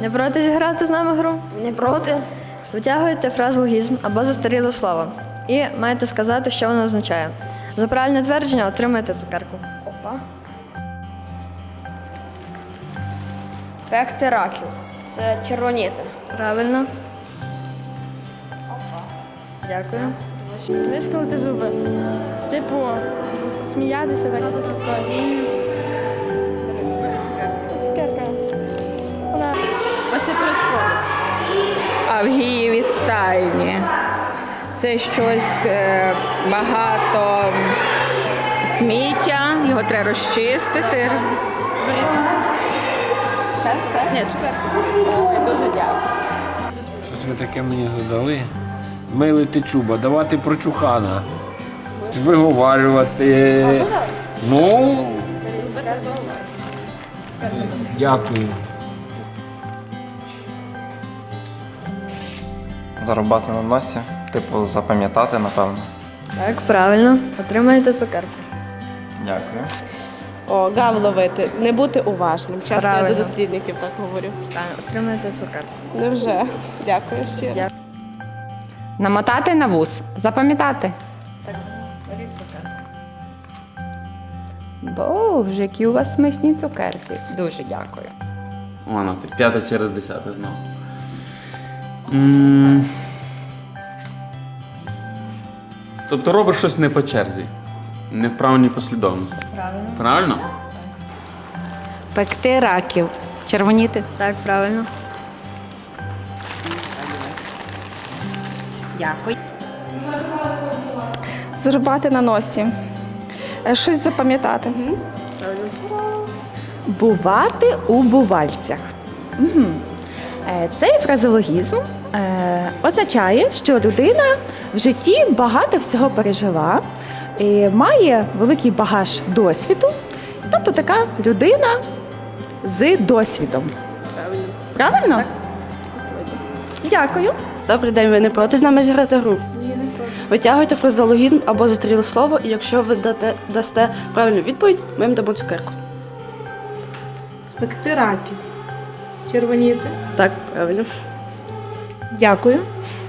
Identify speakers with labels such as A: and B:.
A: Не проти зіграти з нами гру?
B: Не проти.
A: Витягуєте фразеологізм або застаріле слово і маєте сказати, що воно означає. За правильне твердження отримаєте цукерку.
B: Опа. Пекти раків. Це червоніти.
A: Правильно. Дякую.
C: Вискалити зуби. Типу, сміятися так. Цукерка.
B: Ось це приспроби.
D: Авгієві стайні. Це щось багато сміття, його треба розчистити.
B: Ні, цукерка.
D: Ой, дуже дякую.
E: Щось ви таке мені задали. Милити чуба, давати прочухана. Виговарювати. Ну. Дякую.
F: Зарубати на носі, типу запам'ятати, напевно.
A: Так, правильно. Отримаєте цукерку.
F: Дякую.
G: О, гав ловити, не бути уважним. Часто я
A: Правильно.
G: до дослідників так говорю.
A: Так, отримаєте цукерку.
G: Невже? Дякую щиро.
A: Дякую.
D: Намотати на вус, запам'ятати.
A: Беріть цукерку.
D: Боже, які у вас смачні цукерки. Дуже дякую.
H: Воно ти, 5 через 10 знову. Тобто робиш щось не по черзі, не в правильній послідовності.
A: Правильно.
H: Правильно?
I: Пекти раків. Червоніти.
A: Так, правильно.
I: Дякую.
C: Зарубати на носі. Щось запам'ятати.
I: Бувати у бувальцях. Угу. Цей фразеологізм означає, що людина в житті багато всього пережила, і має великий багаж досвіду, тобто така людина з досвідом.
B: Правильно.
I: Правильно? Так. Дякую.
B: Добрий день, ви не проти з нами зіграти гру? Витягуйте фразеологізм або застріле слово, і якщо ви дасте правильну відповідь, ми вам дамо цукерку.
C: Пекти раків. Червоніти.
B: Так, правильно.
C: Дякую.